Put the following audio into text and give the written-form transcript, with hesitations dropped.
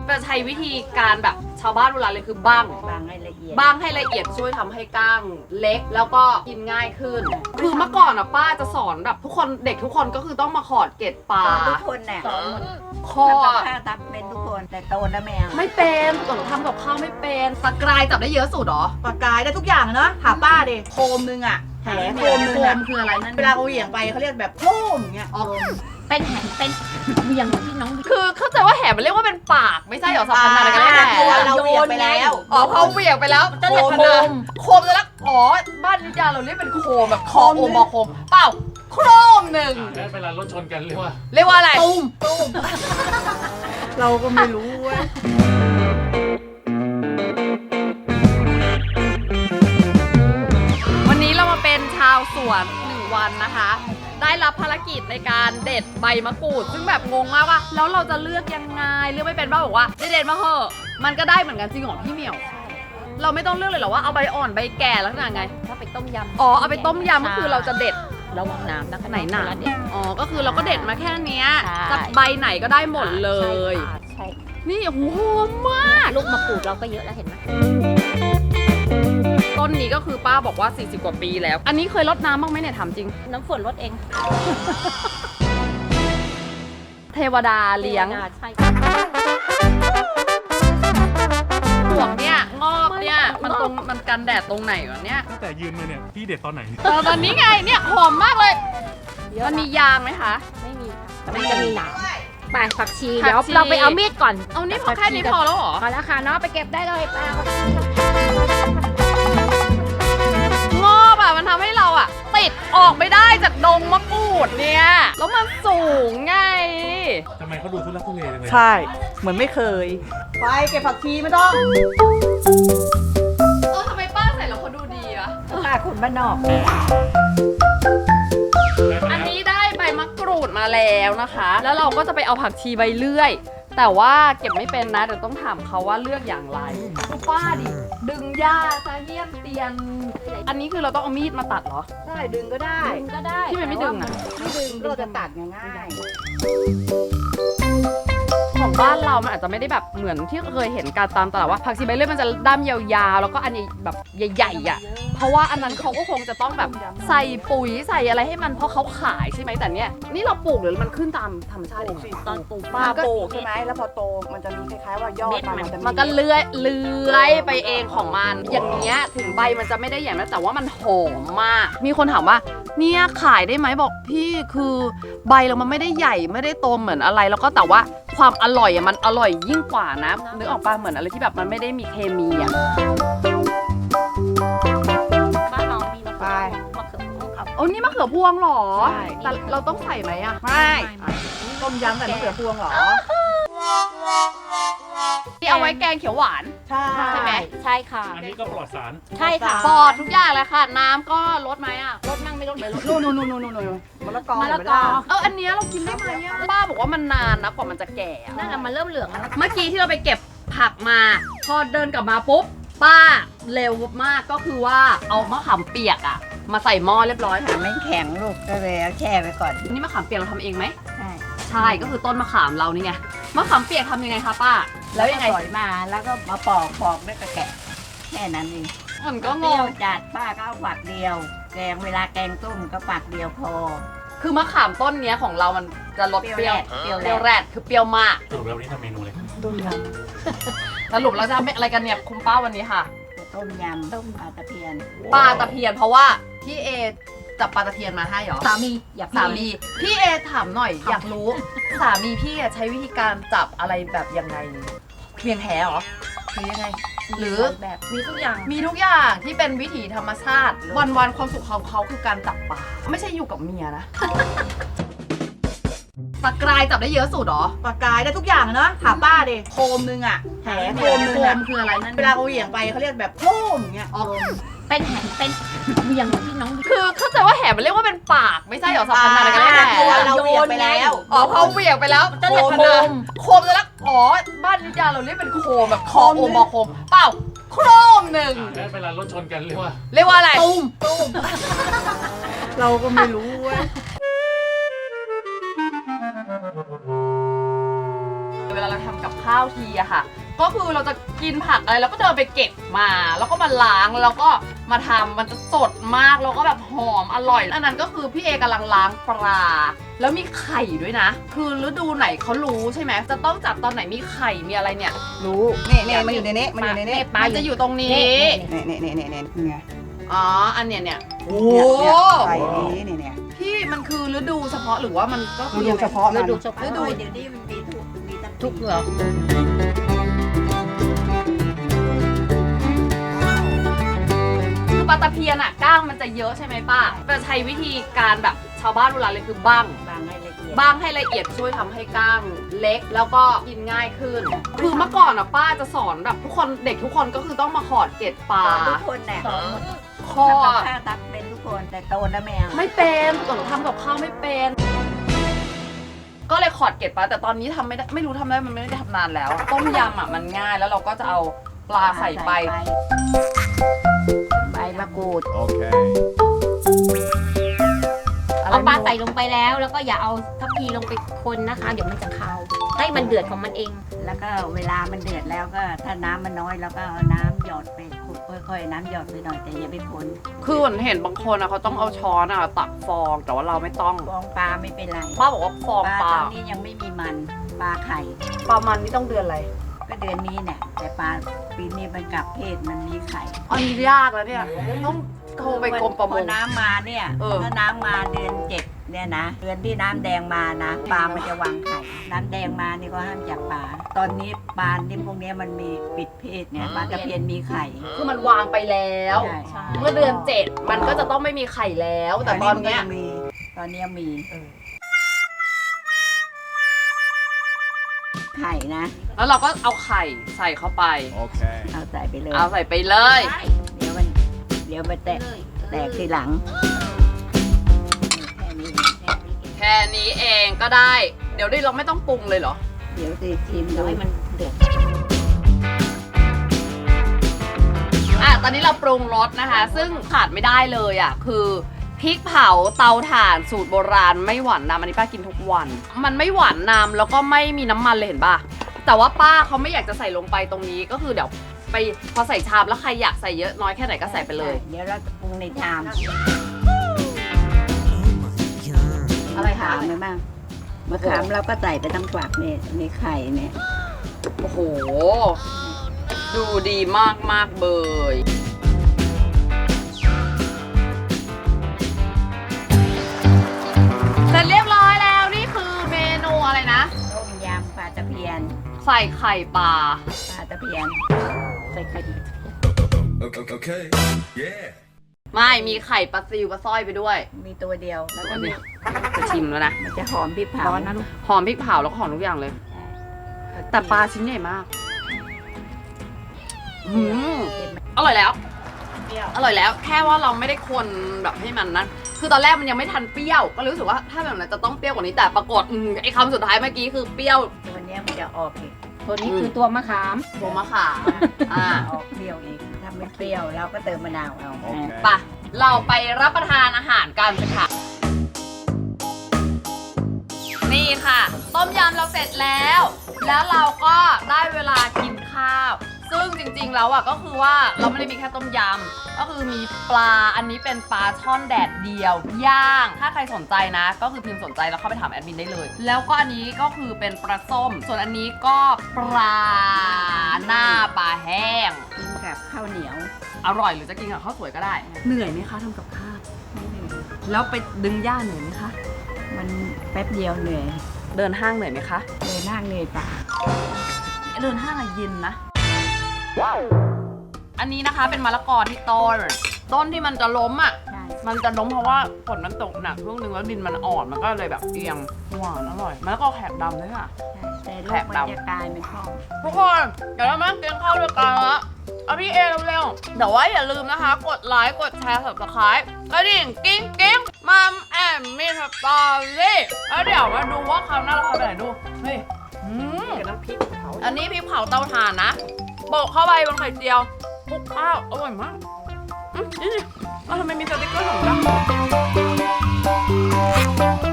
จะใช้วิธีการแบบชาวบ้านโบราณเลยคือบ้างให้ละเอียดช่วยทำให้ก้างเล็กแล้วก็กินง่ายขึ้น คือเมื่อก่อนอ่ะป้าจะสอนแบบทุกคนเด็กทุกคนก็คือต้องมาขอดเกล็ดปลาทุกคนเนี่ยคอข้าวทำเป็นทุกคนแต่โตแล้วแม่ไม่เป็นตอนทำกับข้าวไม่เป็นตะกรายจับได้เยอะสุดหรอปากกายได้ทุกอย่างเนาะถามป้าดิโคมนึงอ่ะแหโคมนึงอ่ะคืออะไรนั่นเวลาเขาเหวี่ยงไปเขาเรียกแบบโค้มเงี้ยเป็นแหเป็นเวียงที่น้องคือเข้าใจว่าแหมันเรียกว่าเป็นปากไม่ใช่หรอสัพพันธ์อะไรกันแน่ตัวเราเหวี่ยงไปแล้วเขาเหวี่ยงไปแล้วโคมเลยแล้วอ๋อบ้านนิยาเราเรียกเป็นโคมแบบคอโอมอโคมเปล่าโครมหนึ่งแล้วเวลารถชนกันเรียกว่าอะไรตุ้มเราก็ไม่รู้เว้ยวันนี้เรามาเป็นชาวสวน1 วันนะคะได้รับภารกิจในการเด็ดใบมะกรูดซึ่งแบบงงมากว่าแล้วเราจะเลือกยังไงเลือกไม่เป็นบ้าบอกว่าเด็ดมาเหอะมันก็ได้เหมือนกันจริงเหรอพี่เหมียวเราไม่ต้องเลือกเลยเหรอว่าเอาใบอ่อนใบแก่แล้วขนาดไงถ้าไปต้มยำเอาไปต้มยำก็คือเราจะเด็ดระวังน้ำนะไหนหนาก็คือเราก็เด็ดมาแค่นี้จะใบไหนก็ได้หมดเลยใช่นี่โอ้โหหอมมากลูกมะกรูดเราก็เยอะแล้วเห็นไหมต้นนี้ก็คือป้าบอกว่า40 กว่าปีแล้วอันนี้เคยรดน้ำบ้างไหมเนี่ยถามจริงน้ำฝนรดเองเทวดาเลี้ยงใช่ปวกเนี่ยงอกเนี่ยมันกันแดดตรงไหนวะเนี่ยตั้งแต่ยืนมาเนี่ยพี่เด็ดตอนไหนตอนนี้ไงเนี่ยหอมมากเลยมันมียางไหมคะไม่มีค่ะมันจะมีหนามไปผักชีเดี๋ยวเราไปเอามีดก่อนเอานี่พอแค่นี้พอแล้วเหรอพอแล้วค่ะเนาะไปเก็บได้เลยป้างอบอ่ะมันทำให้เราอ่ะติดออกไม่ได้จากดงมะกรูดเนี่ยแล้วมันสูงไงทำไมเขาดูทุลักทุเลจังเลยใช่เหมือนไม่เคยไปเก็บผักชีไม่ต้องทำไมป้าใส่แล้วเขาดูดีอะป้าคนบ้านนอกอันนี้ได้ใบมะกรูดมาแล้วนะคะแล้วเราก็จะไปเอาผักชีใบเลื่อยแต่ว่าเก็บไม่เป็นนะเดี๋ยวต้องถามเขาว่าเลือกอย่างไรป้าดิดึงหญ้าซะเยี่ยมเตียนอันนี้คือเราต้องเอามีดมาตัดเหรอใช่ดึงก็ได้ที่มันไม่ดึงอ่ะไม่ดึงเราจะตัดง่ายของบ้านเรามันอาจจะไม่ได้แบบเหมือนที่เคยเห็นการตามตลาดว่าผักชีใบเลื่อยมันจะด้ามยาวๆแล้วก็อันนี้แบบใหญ่ๆอ่ะเพราะว่าอันนั้นเขาก็คงจะต้องแบบใส่ปุ๋ยใส่อะไรให้มันเพราะเขาขายใช่ไหมแต่เนี้ยนี่เราปลูกหรือมันขึ้นตามธรรมชาติเองตอนปลูกป้าปลูกใช่ไหมแล้วพอโตมันจะมีคล้ายๆว่ายอดมันก็เลื้อยไปเองของมันอย่างเงี้ยถึงใบมันจะไม่ได้ใหญ่นะแต่ว่ามันหอมมากมีคนถามว่าเนี่ยขายได้ไหมบอกพี่คือใบเรามันไม่ได้ใหญ่ไม่ได้โตเหมือนอะไรแล้วก็แต่ว่าความอร่อยอ่ะมันอร่อยยิ่งกว่านะนึกออกป่ะเหมือนอะไรที่แบบมันไม่ได้มีเคมีอ่ะบ้านเรามีมะเขือนี่มะเขือพวงหรอแต่เราต้องใส่ไหมอ่ะไม่ต้มยำใส่มะเขือพวงหรอที่เอาไว้แกงเขียวหวานใช่ไหมใช่ค่ะอันนี้ก็ปลอดสารใช่ค่ะปลอดทุกอย่างเลยค่ะน้ำก็ลดไหมอ่ะลดนั่งไม่ลดเลยลดนู่นมะละกออันนี้เรากินได้ไหมป้าบอกว่ามันนานนะกว่ามันจะแก่นั่นมันเริ่มเหลืองแล้วเมื่อกี้ที่เราไปเก็บผักมาพอเดินกลับมาปุ๊บป้าเร็วมากก็คือว่าเอามะขามเปียกอ่ะมาใส่หม้อเรียบร้อยค่ะไม่แข็งลูกก็เลยเอาแช่ไว้ก่อนนี่มะขามเปียกเราทำเองไหมใช่ก็คือต้นมะขามเรานี่ไงมะขามเปียกทำยังไงคะป้าแล้วยังไงสอยมาแล้วก็มาปอกด้วยกระแกะแค่นั้นเองมันก็งงจัดป้าก็เอาฝักเดียวแกงเวลาแกงต้มก็ฝักเดียวพอคือมะขามต้นเนี้ยของเรามันจะรสเปรี้ยวแรดคือเปรี้ยวมากสรุปแล้ววันนี้ทำเมนูอะไรต้มยำสรุปเราจะทำอะไรกันเนี่ยคุณป้าวันนี้ค่ะต้มยำต้มปลาตะเพียนเพราะว่าพี่เอจับปลาตะเพียนมาให้หรอสามีพี่เอถามหน่อยอยากรู้สามีพี่ใช้วิธีการจับอะไรแบบยังไงเพียงแหหรอหรือยังไงหรือแบบมีทุกอย่างที่เป็นวิถีธรรมชาติวันความสุขของเขาคือการจับปลาไม่ใช่อยู่กับเมียนะตะกรายจับได้เยอะสุดหรอปากกายได้ทุกอย่างเนาะถามป้าดิโคมนึงอ่ะแหโคมนึงอ่ะคืออะไรนั่นเวลาเขาเหวี่ยงไปเขาเรียกแบบโค้มเงี้ยเป็นแหเป็นเวียงที่น้องคือเข้าใจว่าแหมันเรียกว่าเป็นปากไม่ใช่หรอสัพพันธ์อะไรกันแน่ตัวเราเหวี่ยงไปแล้วเขาเหวี่ยงไปแล้วโคมเลยแล้วบ้านนิยาเราเรียกเป็นโคมแบบคอโอมอโคมเปล่าโครมหนึ่งแล้วเวลารถชนกันเรียกว่าอะไรตุ้มเราก็ไม่รู้เว้ยเวลาเราทำกับข้าว 9 ทีอะค่ะ ก็คือเราจะกินผักอะไรแล้วก็เดินไปเก็บมาแล้วก็มาล้างแล้วก็มาทำมันจะสดมากแล้วก็แบบหอมอร่อยอันนั้นก็คือพี่เอกำลังล้างปลาแล้วมีไข่ด้วยนะ คือฤดูไหนเขารู้ใช่ไหมจะต้องจับตอนไหนมีไข่มีอะไรเนี่ยรู้นี่มันอยู่ในนี้มันอยู่ในนี้มันจะอยู่ตรงนี้นี่ไงอ๋ออันเนี้ยเนี่ยโอ้ใส่นี้เนี่ยพี่มันคือฤดูเฉพาะหรือว่ามันก็คือฤดูเฉพาะมันฤดูเฉพาะฤดูเดี๋ยวนี้มันมีทุกเหรอคือปลาตะเพียนอะก้างมันจะเยอะใช่ไหมป้าจะใช้วิธีการแบบชาวบ้านโบราณเลยคือบ้างบางให้ละเอียดบ้างให้ละเอียดช่วยทำให้ก้างเล็กแล้วก็กินง่ายขึ้น คือเมื่อก่อนอะป้าจะสอนแบบทุกคนเด็กทุกคนก็คือต้องมาขอดเกล็ดปลาทุกคนเนี่ยคอทำกับข้าวตักเป็นทุกคนแต่โตแล้วแม่ไม่เป็นตอนทำกับข้าวไม่เป็น ก็เลยขอดเกล็ดปลาแต่ตอนนี้ทำไม่ได้ไม่รู้ทำได้มันไม่ได้ทำนานแล้วอะต้มยำอะมันง่ายแล้วเราก็จะเอาปลาใส่ไปใบมะกรูด Okay. เอาปลาใส่ลงไปแล้วก็อย่าเอาทัพพีลงไปคนนะคะ เดี๋ยวมันจะคาวให้มันเดือดของมันเองแล้วก็เวลามันเดือดแล้วก็ถ้าน้ำมันน้อยแล้วก็เอาน้ำหยดไปค่อยๆน้ำหยดไปหน่อยแต่อย่าไปคนคือเห็นบางคนอะเขาต้องเอาช้อนอะตักฟองแต่ว่าเราไม่ต้องฟองปลาไม่เป็นไรป้าบอกว่าฟองปปลาลาตอนนี้ยังไม่มีมันปลาไข่ประมาณนี้ต้องเดือนอะไรก็เดือนนี้เนี่ยแต่ปลาปีนี้มันกลับเพศมันมีไข่อันนี้ยากแล้วเนี่ยต้องโทรไปกรมประมพอง น้ำมาเนี่ยเออถ้าน้ำมาเดือน7เนี่ยนะเดือนที่น้ำแดงมานะปลามันจะวางไข่น้ำแดงมานี่ก็ห้ามจับปลาตอนนี้ปลาที่พวกเนี้ยมันมีปิดเพศเนี่ยปลาตะเพียนมีไข่คือมันวางไปแล้วใช่เมื่อเดือน 7 มันก็จะต้องไม่มีไข่แล้ว แต่ตอนเนี้ยตอนเนี้ยมีไข่นะแล้วเราก็เอาไข่ใส่เข้าไป Okay. เอาใส่ไปเลยเอาใส่ไปเลยเดี๋ยวมันแตกทีหลังแค่นี้แค่นี้เองก็ได้ เดี๋ยวดิเราไม่ต้องปรุงเลยเหรอเดี๋ยวสิชิมเดี๋ดูยวให้มันเดือดตอนนี้เราปรุงรสนะคะ ซึ่งขาดไม่ได้เลยอ่ะคือพริกเผาเตาถ่านสูตรโบราณไม่หวานนำอันนี้ป้ากินทุกวัน มันไม่หวานนำแล้วก็ไม่มีน้ำมันเลยเห็นป่ะแต่ว่าป้าเขาไม่อยากจะใส่ลงไปตรงนี้ก็คือเดี๋ยวไปพอใส่ชามแล้วใครอยากใส่เยอะน้อยแค่ไหนก็ใส่ไปเลยเดี๋ยวเราจะปรุงในชามอะไรคะมะบ้างมะขามเราก็ใส่ไปทั้งฝักเนี่ยในไข่เนี่ยโอ้โห ดูดีมากมากๆเบยเสร็จเรียบร้อยแล้วนี่คือเมนูอะไรนะต้มยำปลาตะเพียนใส่ไข่ปลาปลาตะเพียนใส่ไข่ Okay. Yeah. ไม่มีไข่ปลาซิวปลาสร้อยไปด้วยมีตัวเดียวแล้วก็มีจะชิมแล้วนะมันจะหอมพริกเผาร้อนนะลูกหอมพริกเผาแล้วก็หอมทุกอย่างเลย แต่ปลาชิ้นใหญ่มากอืมอร่อยแล้ว อร่อยแล้ว แค่ว่าเราไม่ได้คนแบบให้มันนั้น คือตอนแรกมันยังไม่ทันเปรี้ยว ก็เลยรู้สึกว่าถ้าแบบนั้นจะต้องเปรี้ยวกว่านี้ แต่ปรากฏไอ้คำสุดท้ายเมื่อกี้คือเปรี้ยวตัวเนี้ยมันจะออกอีกตัวนี้คือตัวมะขามโบมะขามอ่าออกเปรี้ยวอีกถ้าไม่เปรี้ยวเราก็เติมมะนาวเอา Okay. ไปะเราไปรับประทานอาหารกันค่ะ นี่ค่ะ ต้มยำเราเสร็จแล้ว แล้วเราก็ได้เวลากินข้าว ซึ่งจริงๆแล้วอ่ะก็คือว่าเราไม่ได้มีแค่ต้มยำก็คือมีปลาอันนี้เป็นปลาช่อนแดดเดียว ย่าง ถ้าใครสนใจนะ ก็คือพิมพ์สนใจแล้วเข้าไปถามแอดมินได้เลย แล้วก็อันนี้ก็คือเป็นปลาส้ม ส่วนอันนี้ก็ปลาหน้าปลาแห้งกินกับข้าวเหนียวอร่อยหรือจะกินกับข้าวสวยก็ได้ เหนื่อยไหมคะทำกับข้าว แล้วไปดึงหญ้าเหนื่อยไหมคะมันแป๊บเดียวเหนื่อยเดินห้างเหนื่อยไหมคะเลยนั่งเหนื่อยป่าเดินห้างอะเย็นนะ อันนี้นะคะเป็นมะละกอที่ต้นที่มันจะล้มอ่ะใช่มันจะล้มเพราะว่าฝนมันตกหนักช่วงนึงแล้วดินมันอ่อนมันก็เลยแบบเอียงหวานอร่อยมะละกอแขกดำด้วยค่ะแต่ลูแผกบมันดำจะกลายเป็นข้องทุกคนเดี๋ยวเรามากินข้าวด้วยกันละเอาพี่เอเร็วๆแต่ว่าอย่าลืมนะคะ กดไลค์กดแชร์ subscribe กระดิ่งกิ้งกิ้งมัมแอมมี่สตอรี่แล้วเดี๋ยวมาดูว่าคราวหน้าเราทำอะไรดูเฮ้ยน้ำพริกเผาอันนี้พริกเผาเตาถ่านนะโปะเข้าไปบนไข่เจียวคลุกข้าวอร่อยมากนี่ทำไมมีสติ๊กเกอร์ของดำ